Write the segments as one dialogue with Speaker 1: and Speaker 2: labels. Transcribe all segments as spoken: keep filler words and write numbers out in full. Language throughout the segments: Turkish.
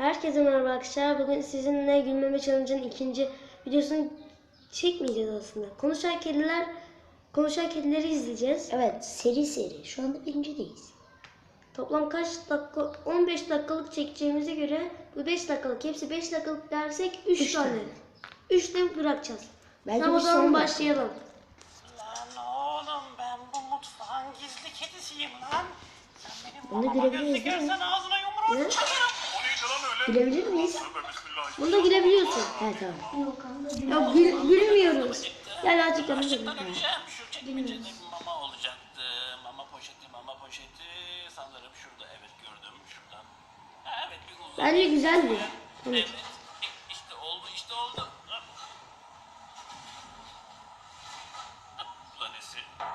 Speaker 1: Herkese merhaba arkadaşlar. Bugün sizinle Gülmeme Challenge'ın ikinci videosunu çekmeyeceğiz aslında. Konuşan kediler, konuşan kedileri izleyeceğiz.
Speaker 2: Evet, seri seri. Şu anda birincideyiz.
Speaker 1: Toplam kaç dakika? on beş dakikalık çekeceğimize göre bu beş dakikalık. Hepsi beş dakikalık dersek üç tane. üç de bırakacağız.
Speaker 2: Belki
Speaker 1: Tamam, o
Speaker 2: bir
Speaker 1: zaman
Speaker 2: son
Speaker 1: başlayalım.
Speaker 3: Lan oğlum, ben bu mutfağın gizli kedisiyim lan. Sen benim
Speaker 2: Onu
Speaker 3: mamama
Speaker 2: görebiliriz,
Speaker 3: gözlü
Speaker 2: değil mi?
Speaker 3: görsen ağzına yumruğu
Speaker 1: Ne?
Speaker 3: çakarım.
Speaker 2: Gülebilir miyiz?
Speaker 1: Bunu da gülebiliyorsun.
Speaker 2: He tamam.
Speaker 1: Ya gül, gülmüyoruz. Gel azıcık yanına gel.
Speaker 3: Açıktan öleceğim. Şu çekmecede mama olacaktı. Mama poşeti, mama poşeti. Sanırım şurada, evet gördüm şuradan. Ha, evet bir uzun.
Speaker 1: Bence güzeldi.
Speaker 3: Evet.
Speaker 1: Evet.
Speaker 3: İşte oldu, işte oldu. Planesi.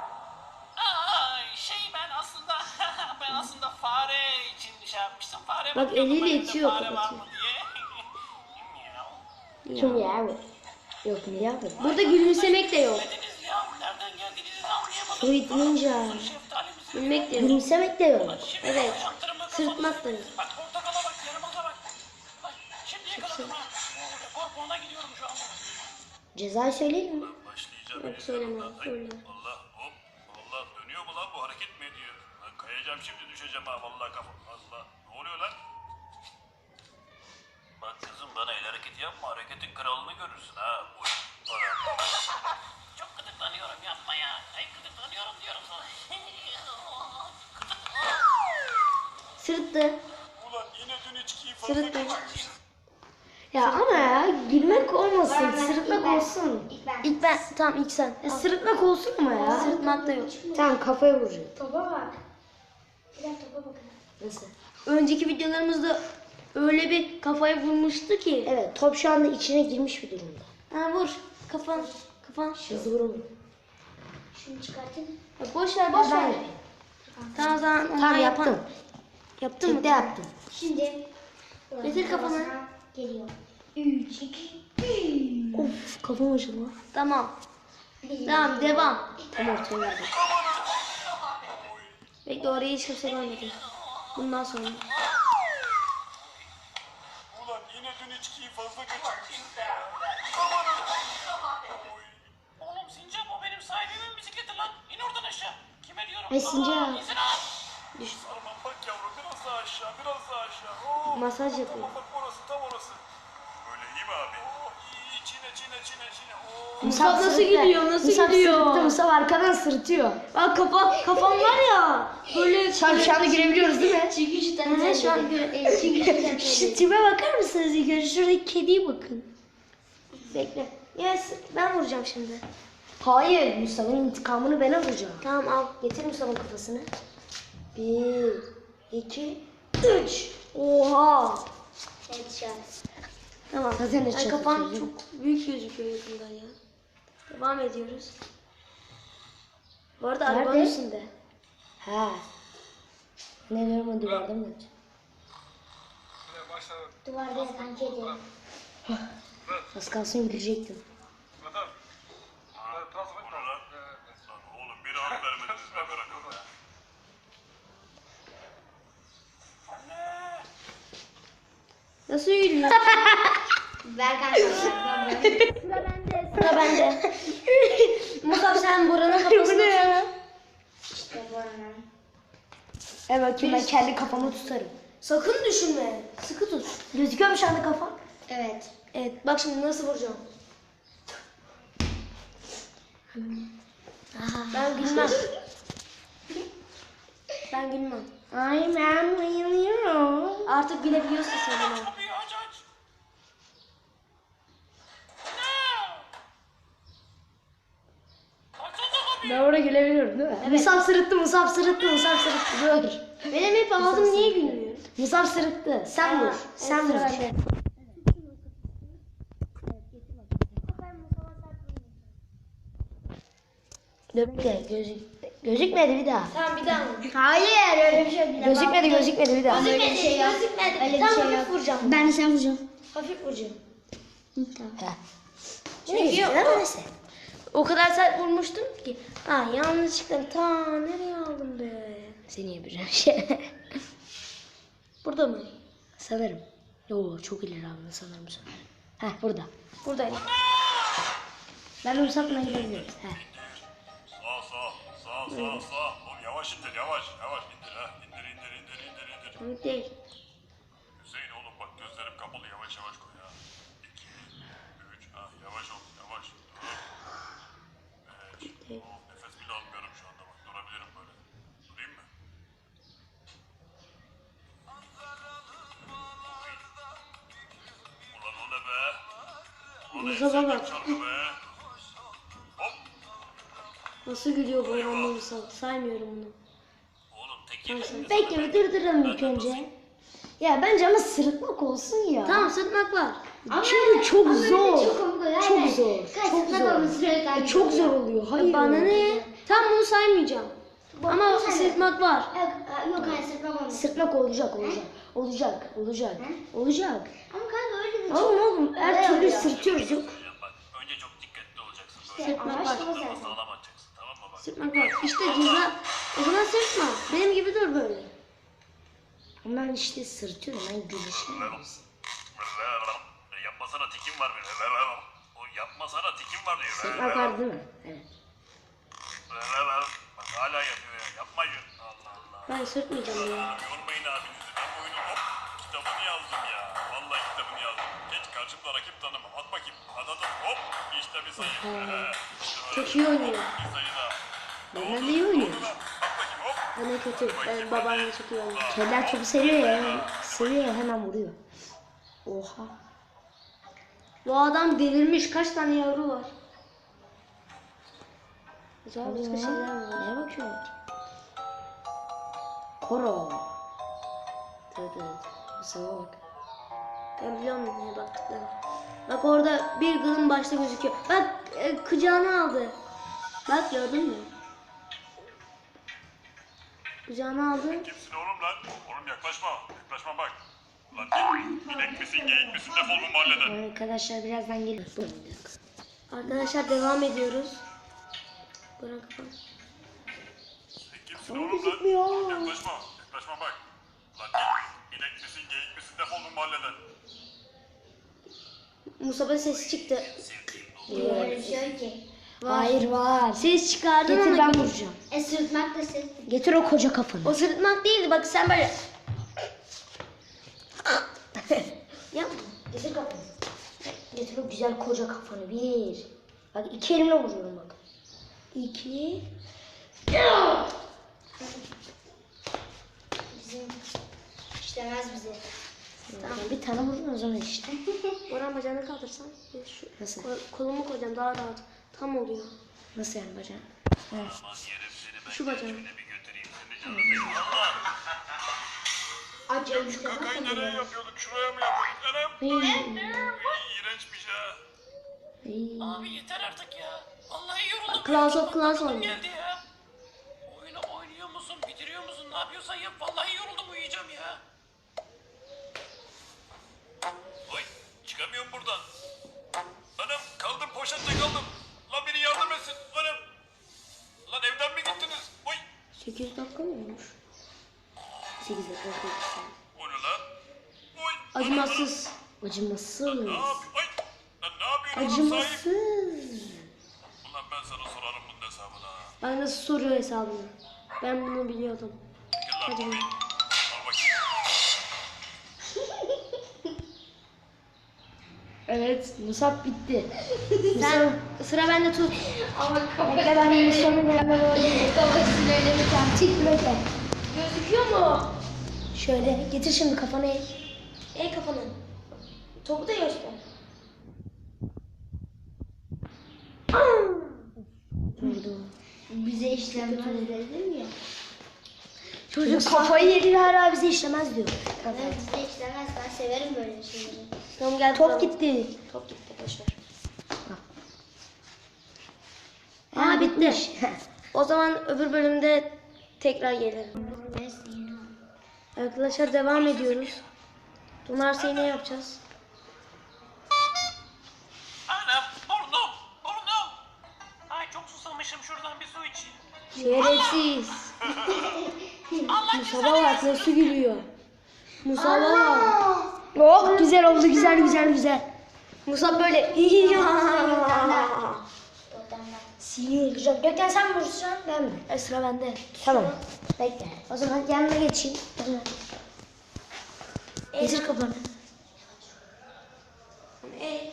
Speaker 3: Ay şey ben aslında ben aslında fare için şey yapmıştım. Fare
Speaker 1: Bak,
Speaker 3: bakıyordum,
Speaker 1: eliyle
Speaker 3: elimde
Speaker 1: itiyor,
Speaker 3: fare var
Speaker 1: kapatıyor.
Speaker 3: mı diye. Miyav.
Speaker 2: Kim ya bu? Yok mu ya bu?
Speaker 1: Burada gülümsemek de yok.
Speaker 3: Dediniz ya, nereden geldiğinizi anlayamadım.
Speaker 2: Sweet Ninja.
Speaker 3: Şeftalimizi
Speaker 1: Gülmek de yok.
Speaker 2: Gülümsemek de yok.
Speaker 3: Şimdi
Speaker 1: Evet.
Speaker 3: çaktırın bakalım.
Speaker 1: Sırıtmak da yok.
Speaker 3: Bak portakala bak, yarımıza bak. Bak şimdi yakaladım ha. Korkuğuna gidiyorum şu anda.
Speaker 2: Cezayı söyleyelim mi?
Speaker 4: Başlayacağım.
Speaker 1: Yok, söyleme, söyle.
Speaker 4: Allah hop. Allah dönüyor mu lan bu, hareket mi ediyor? Lan kayacağım şimdi, düşeceğim ha vallahi kafa. Allah ne oluyor lan? Bak kızım, bana el hareketi yapma, hareketin kralını görürsün ha. Uy. Bana.
Speaker 3: Çok gıdıklanıyorum, yapma ya. Ay gıdıklanıyorum diyorum sana.
Speaker 1: Sırıttı.
Speaker 4: Ulan yine dün içkiyi fazla
Speaker 1: Sırıttı.
Speaker 4: kaçırmışız.
Speaker 2: Ya ama ya gülmek olmasın, sırıtmak olsun.
Speaker 1: İlk ben. Tamam, ilk sen.
Speaker 2: Ya sırıtmak olsun ama ya.
Speaker 1: Sırıtmak da yok.
Speaker 2: Tamam, kafaya vuracağım.
Speaker 5: Topa bak. Biraz topa bakın.
Speaker 2: Nasıl?
Speaker 1: Önceki videolarımızda öyle bir kafaya vurmuştu ki.
Speaker 2: Evet, top şu anda içine girmiş bir durumda.
Speaker 1: Ha, vur. Kafan. Kafan.
Speaker 2: Hızlı vurun.
Speaker 5: Şunu çıkartın.
Speaker 1: Ya boş ver, boş
Speaker 2: Ben
Speaker 1: ver.
Speaker 2: yapayım.
Speaker 1: Tamam, o zaman ondan
Speaker 2: Tamam,
Speaker 1: yapan.
Speaker 2: yaptım.
Speaker 1: Yaptın mı?
Speaker 2: Tek de yaptım.
Speaker 5: Şimdi
Speaker 1: Getir kafamı.
Speaker 5: geliyor. üç, iki, bir.
Speaker 2: Of, kafam acıdı lan.
Speaker 1: Tamam. Tamam, devam.
Speaker 2: Tam ortaya verdim.
Speaker 1: Bekle, orayı hiç kimse görmedi. Bundan sonra.
Speaker 4: Ulan yine dün içkiyi fazla kaçırmışız.
Speaker 3: Oğlum Sincap, o benim sahibimin bisikleti lan. İn oradan aşağı. Kime diyorum?
Speaker 2: Ay, Sincap.
Speaker 3: Aa, izin al.
Speaker 4: Aman bak yavrum, biraz daha aşağı, biraz daha aşağı. Oo,
Speaker 1: Masaj yapıyor.
Speaker 4: Tamam bak, orası tam orası. Böyle iyi mi abi? Oo, iyi, çine çine çine çine. Oo.
Speaker 1: Musab nasıl
Speaker 2: sırıttı.
Speaker 1: gidiyor? Nasıl
Speaker 2: Musab
Speaker 1: gidiyor?
Speaker 2: sırıttı, Musab arkadan sırıtıyor.
Speaker 1: Bak, kafa, kafam var ya. Böyle
Speaker 2: Şu an, şu anda görebiliyoruz değil mi?
Speaker 5: Çünkü şu
Speaker 1: Hı hı, şu an gö-
Speaker 5: Çünkü
Speaker 1: Şu tipe bakar mısınız ilk önce? Şuradaki kediye bakın. Bekle. Yes, ben vuracağım şimdi.
Speaker 2: Hayır, Musab'ın intikamını ben alacağım.
Speaker 1: Tamam, al. Getir Musab'ın kafasını.
Speaker 2: Bir, iki,
Speaker 1: Üç. Oha.
Speaker 5: headshot.
Speaker 1: Tamam.
Speaker 2: Zaten de
Speaker 1: Ay,
Speaker 2: çok
Speaker 1: kafan
Speaker 2: kötü.
Speaker 1: çok büyük gözüküyor yakından ya. Devam ediyoruz. Bu arada
Speaker 2: Nerede?
Speaker 1: arabanın üstünde.
Speaker 2: Ha. Ne diyorum, o duvarda mı?
Speaker 5: Duvarda yatan kedi.
Speaker 2: Az kalsın gülecektim.
Speaker 4: Bu ne lan? Lan oğlum, bir rahat vermediniz be, bırakın be.
Speaker 1: Nasıl yürüyor?
Speaker 5: Berkan sana.
Speaker 1: Sıra bende. Musab, sen buranın kafasını tut.
Speaker 5: İşte bu ana.
Speaker 2: Evet, bakayım, ben kendi kafamı tutarım.
Speaker 1: Sakın düşünme. Sıkı tut.
Speaker 2: Gözüküyor mu şu anda kafam?
Speaker 5: Evet.
Speaker 1: Evet, bak şimdi nasıl vuracağım. Ben gülmem. Ben gülmem.
Speaker 2: Ay, ben bayılıyorum.
Speaker 1: Artık gülebiliyorsun sen bana.
Speaker 3: Kapıyı aç aç. Açsana kapıyı.
Speaker 2: Ben orada gülebiliyorum değil mi? Musab sırıttı, Musab sırıttı, Musab sırıttı. Dur.
Speaker 1: Benim hep ağzım niye gülmüyor?
Speaker 2: Musab sırıttı. Sen vur. Sen
Speaker 1: evet,
Speaker 2: vur.
Speaker 1: sıra bende.
Speaker 2: Dur bekle, gözük gözükmedi bir daha.
Speaker 1: Tamam, bir daha vur.
Speaker 5: Hayır, öyle bir şey yok.
Speaker 2: Gözükmedi, gözükmedi bir daha.
Speaker 5: Öyle bir şey yok.
Speaker 1: Gözükmedi.
Speaker 5: Öyle bir
Speaker 1: Tamam,
Speaker 5: şey
Speaker 1: hafif
Speaker 5: yok.
Speaker 1: vuracağım.
Speaker 5: Ben de sen vuracağım.
Speaker 1: Hafif vuracağım.
Speaker 2: Ha.
Speaker 1: Çünkü
Speaker 2: Neyse,
Speaker 1: yok.
Speaker 2: ama neyse.
Speaker 1: O kadar sert vurmuştum ki. Ha, yanlışlıkla ta nereye aldım be?
Speaker 2: Seni yapacağım şey.
Speaker 1: Burada mı?
Speaker 2: Sanırım. Yo çok ileri aldın sanırım sen. Heh burada.
Speaker 1: Buradayım.
Speaker 2: Ben Musab'la gidebiliriz. Heh.
Speaker 4: Sağ sağ sağ sağ sağ. Oğlum yavaş indir yavaş yavaş indir ha. İndir indir indir indir indir.
Speaker 1: Komik değil.
Speaker 4: Hüseyin oğlum bak gözlerim kapalı yavaş yavaş koy ha. İki, üç, ah yavaş ol yavaş. Dört, beş.
Speaker 1: Değil.
Speaker 4: Oh, nefes bile almıyorum şu anda bak durabilirim böyle. Durayım mı? Ulan o ne be? Ulan en
Speaker 1: Musab'a
Speaker 4: sevdiğim
Speaker 1: bak.
Speaker 4: şarkı be. Hop.
Speaker 1: Nasıl gülüyor bu ormanda Musab. Saymıyorum bunu.
Speaker 3: Oğlum tek yemek.
Speaker 2: Bekle bir durduralım ilk önce. Ya bence ama sırıtmak olsun ya.
Speaker 1: Tamam sırtmak var.
Speaker 2: Çünkü çok
Speaker 5: Ama
Speaker 2: zor.
Speaker 5: öyle çok komik oluyor.
Speaker 2: Çok
Speaker 5: Aynen.
Speaker 2: zor.
Speaker 5: Kaç
Speaker 2: Çok
Speaker 5: sırtmak
Speaker 2: zor.
Speaker 5: olması gereken
Speaker 2: E, çok zor oluyor. Hayır.
Speaker 1: Bana ne? Tam bunu saymayacağım. Ama
Speaker 5: bir tane.
Speaker 1: sırtmak var.
Speaker 5: Yok, yok hayır sırtmak olmaz.
Speaker 2: Sırtmak olacak olacak. Olacak olacak. Olacak.
Speaker 5: Ama kanka öyle de çok...
Speaker 2: Oğlum oğlum her
Speaker 5: Olay
Speaker 2: türlü
Speaker 5: oluyor.
Speaker 2: sırtıyoruz yok.
Speaker 3: Bak önce çok dikkatli olacaksın.
Speaker 5: İşte
Speaker 1: Sırtmak
Speaker 5: amaç
Speaker 1: var.
Speaker 5: da o
Speaker 3: Böyle
Speaker 5: zaten.
Speaker 3: sağlam atacaksın tamam mı bak.
Speaker 1: Sırtmak var. İşte ceza. O zaman sırtma. Benim gibi dur böyle.
Speaker 2: Ama ben işte sırtıyorum. Ben gülüşüm.
Speaker 4: Yapmasana tikim var benim. O yapmasana tikim var diyor.
Speaker 2: Sırtmak var değil mi? Evet.
Speaker 4: Bak hala yapıyor ya. Yapmayın. Allah Allah.
Speaker 1: Ben sırtmayacağım ya.
Speaker 4: Yormayın abinizi. Ben bu oyunun hop kitabını yazdım ya. Vallahi kitabını yazdım. Geç karşımda rakip tanımam. At bakayım. At at at. Hop. İşte bir sayı. İşte böyle.
Speaker 1: Çok iyi oynuyor.
Speaker 4: Bir sayı daha.
Speaker 2: Ben de iyi oynuyorum.
Speaker 4: At bakayım hop.
Speaker 1: Ben de kötü. Ben babaanne çok iyi oynuyor.
Speaker 2: Kediler çok seviyor ya. Seviyor ya hemen vuruyor. Oha. Bu adam delirmiş. Kaç tane yavru var? Acaba başka şeyler mi var? Neye bakıyorsun? Koro.
Speaker 1: Evet evet.
Speaker 2: Sana bak.
Speaker 1: Ben biliyorum neye baktıklarını. Bak orada bir gılın başta gözüküyor. Bak e, kucağına aldı. Bak gördün mü? Kucağına aldı.
Speaker 4: Kimsin oğlum lan? Oğlum yaklaşma. Yaklaşma bak. Lan inek misin geyik misin defol bu mahalleden.
Speaker 2: Arkadaşlar birazdan gelir.
Speaker 1: Arkadaşlar devam ediyoruz. Bırak kapat.
Speaker 4: Sen kimsin oğlum lan? Yaklaşma. Yaklaşma bak. Lan inek misin geyik misin defol bu mahalleden.
Speaker 1: Musab'a ses çıktı.
Speaker 5: Öyle bir şey yok ki.
Speaker 2: Hayır var.
Speaker 1: Ses çıkardın
Speaker 2: Getir
Speaker 1: ama
Speaker 2: ben vuracağım.
Speaker 5: E sırtmak da ses.
Speaker 2: Getir o koca kafanı.
Speaker 1: o sırıtmak değildi. Bak sen böyle. Yap.
Speaker 2: Getir kafanı. Getir o güzel koca kafanı. Bir. Bak iki elimle vuruyorum bak. İki.
Speaker 5: Bizim işlemez bize.
Speaker 2: Tamam. Bir tane vurdun o zaman işte.
Speaker 1: Boran bacağını kaldırsan. bir Şu,
Speaker 2: Nasıl?
Speaker 1: kol- kolumu koyacağım daha rahat. Tam oluyor.
Speaker 2: Nasıl yani bacağım?
Speaker 3: Aman yerim seni ben
Speaker 1: Şu bacağını.
Speaker 3: bir götüreyim seni canım benim. Allah.
Speaker 5: Aç ölmüş
Speaker 4: Kakayı nereye yapıyorduk? Şuraya mı yapıyorduk? Anam. İğrençmiş ha.
Speaker 3: Abi yeter artık ya. Vallahi yoruldum.
Speaker 1: Clash of Clans
Speaker 3: Uykum
Speaker 1: oynuyor.
Speaker 3: geldi ya. Oyunu oynuyor musun? Bitiriyor musun? Ne yapıyorsan yap. Vallahi yoruldum uyuyacağım ya.
Speaker 4: Oy çıkamıyorum buradan. Anam kaldım poşette kaldım. Lan biri yardım etsin. Anam. Lan evden mi gittiniz? Oy.
Speaker 1: sekiz dakika mı olmuş?
Speaker 2: sekiz dakika oldu.
Speaker 4: O ne lan? Oy.
Speaker 1: Acımasız.
Speaker 2: Acımasız.
Speaker 4: Ne yapıyorsun? Oy. Lan ne yapıyorsun oğlum sahip?
Speaker 1: Acımasız.
Speaker 4: Ulan ben sana sorarım bunun hesabını ha.
Speaker 1: Bak nasıl soruyor hesabını. Ben bunu biliyordum.
Speaker 4: Gel lan
Speaker 1: Hadi.
Speaker 4: Bobby. Al bakayım.
Speaker 2: Evet. Musab bitti.
Speaker 1: Sen sıra bende tut.
Speaker 5: Ama kafa
Speaker 2: Bekle ben Musab'ın yanına böyle.
Speaker 5: kafasını öyle bir tane.
Speaker 2: Tik bekle.
Speaker 1: Gözüküyor mu?
Speaker 2: Şöyle getir şimdi kafanı eğ.
Speaker 1: Ey kafanı. Topu da göster.
Speaker 2: Vurdu.
Speaker 5: Bize işlemez dedim ya.
Speaker 2: Çocuk kafayı yedi hala bize işlemez diyor.
Speaker 5: Evet bize işlemez. Ben severim böyle şeyleri.
Speaker 1: Tamam gel.
Speaker 2: Top
Speaker 1: kuralım.
Speaker 2: gitti.
Speaker 1: Top gitti boşver.
Speaker 2: Ha,
Speaker 1: Ha bitti.
Speaker 2: bitmiş.
Speaker 1: O zaman öbür bölümde tekrar gelirim.
Speaker 5: Ben seni
Speaker 1: Arkadaşlar devam ediyoruz. Donarsa ne yapacağız?
Speaker 3: Anam burnum burnum. Ay çok susamışım şuradan bir su içeyim.
Speaker 1: Şerefsiz.
Speaker 3: Allah
Speaker 1: Musab'a bak nasıl gülüyor. Musab'a bak.
Speaker 2: Oh güzel oldu güzel güzel güzel.
Speaker 1: Musab böyle
Speaker 2: Seni öldüreceğim. Gökten sen mi vuracaksın ben mi?
Speaker 1: E, sıra bende.
Speaker 2: Tamam. Bekle. O zaman yanına geçeyim. O zaman. Getir kafanı.
Speaker 1: E,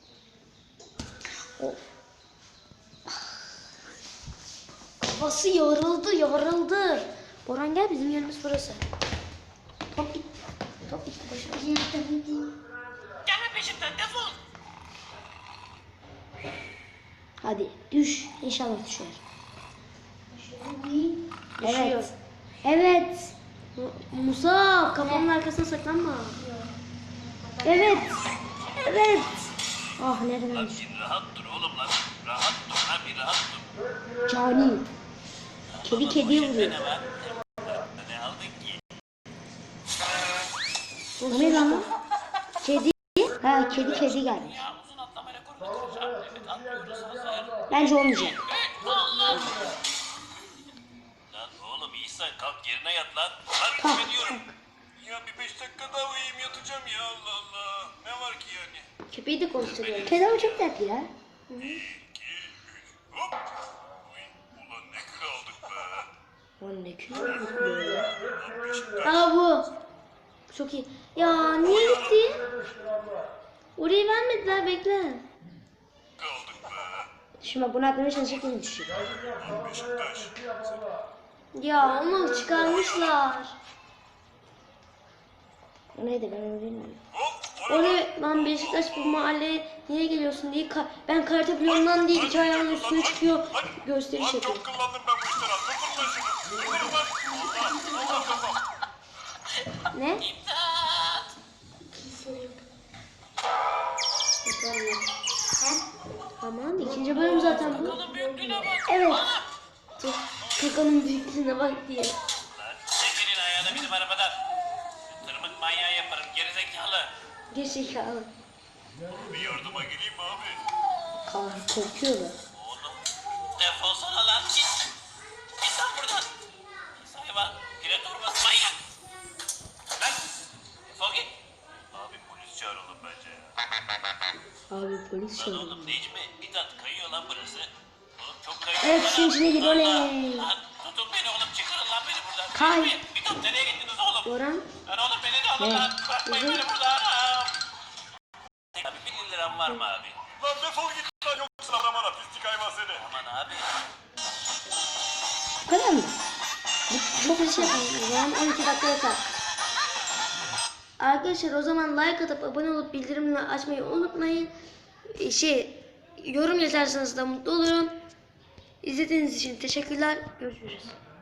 Speaker 2: Kafası yoruldu yoruldu. Boran gel bizim yerimiz burası. Top git. Top gitti başına.
Speaker 3: Gelme peşimden defol.
Speaker 2: Hadi düş. İnşallah düşer.
Speaker 1: düşüyor.
Speaker 2: Evet. Evet.
Speaker 1: Musa kafanın arkasına saklanma.
Speaker 2: Evet. Evet. Ah nereden düştü?
Speaker 3: Bir rahat dur oğlum lan. Rahat dur lan bir rahat dur.
Speaker 2: Cani. Kedi kediye vuruyor.
Speaker 3: Ne var? Ne aldın ki?
Speaker 2: O ne lan? Kedi. Ha kedi kedi geldi.
Speaker 3: Ya uzun atlama rekorunu kıracağım. Evet atlıyoruz hazır.
Speaker 2: Bence olmayacak.
Speaker 3: Allah! Lan oğlum İhsan kalk yerine yat lan. Lan
Speaker 2: Kalk,
Speaker 3: ne diyorum? Ya bir beş dakika daha uyuyayım yatacağım ya Allah Allah. Ne var ki yani?
Speaker 1: Köpeği de konuşturuyor.
Speaker 2: Kedi ama çok tatlı ya.
Speaker 4: iki, üç, hop. Uy, ulan ne kilo aldık be.
Speaker 2: O ne kötü.
Speaker 1: Aa bu. Çok iyi. Ya niye gitti? Orayı vermediler bekle.
Speaker 4: Kaldık be.
Speaker 2: Şimdi bak bunu atmaya çalışacak yine düşüyor.
Speaker 4: Lan Beşiktaş.
Speaker 1: Ya onu çıkarmışlar.
Speaker 2: O neydi ben onu bilmiyorum.
Speaker 4: Hop.
Speaker 1: Oraya lan Beşiktaş bu mahalleye niye geliyorsun diye ka- ben karate biliyorum diye iki ayağının üstüne çıkıyor gösteriş
Speaker 4: Lan
Speaker 1: yapıyor.
Speaker 4: çok kullandım ben bu işleri. Durdurma şunu. Durdurun lan. Allah. Allah kafam.
Speaker 1: Ne? Aman ikinci bölüm zaten bu.
Speaker 3: Oğlum büyüklüğüne bak.
Speaker 1: Evet. Kakanın büyüklüğüne bak diye.
Speaker 3: Lan çekilin ayağını bizim arabadan. Tırmık manyağı yaparım gerizekalı.
Speaker 1: Gerizekalı.
Speaker 4: Bir yardıma geleyim mi abi?
Speaker 2: Kaan korkuyor da.
Speaker 3: Oğlum defolsana lan git. Git lan buradan. Pis hayvan. Pire torbası manyak. Lan defol git.
Speaker 4: Abi polis çağıralım bence ya.
Speaker 2: Abi polis
Speaker 3: Lan
Speaker 2: çağırdı.
Speaker 3: oğlum Necmi Mithat kayıyor lan burası. Oğlum çok kayıyor.
Speaker 2: Evet
Speaker 3: lan.
Speaker 2: işin içine gir oley.
Speaker 3: Lan tutun beni oğlum çıkarın lan beni buradan.
Speaker 2: Kay.
Speaker 3: Necmi Mithat nereye gittiniz oğlum?
Speaker 1: Orhan.
Speaker 3: Lan oğlum beni de alın
Speaker 2: Ne?
Speaker 3: lan. Bırakmayın beni buradan. Abi bir liram var mı abi?
Speaker 4: Lan defol git lan yoksa bana pislik hayvan seni.
Speaker 3: Aman abi.
Speaker 2: Bu kadar mı?
Speaker 1: Çok hızlı yapalım. O zaman on iki dakika yeter. Arkadaşlar o zaman like atıp abone olup bildirimleri açmayı unutmayın. Ee, Şey yorum yazarsanız da mutlu olurum. İzlediğiniz için teşekkürler. Görüşürüz.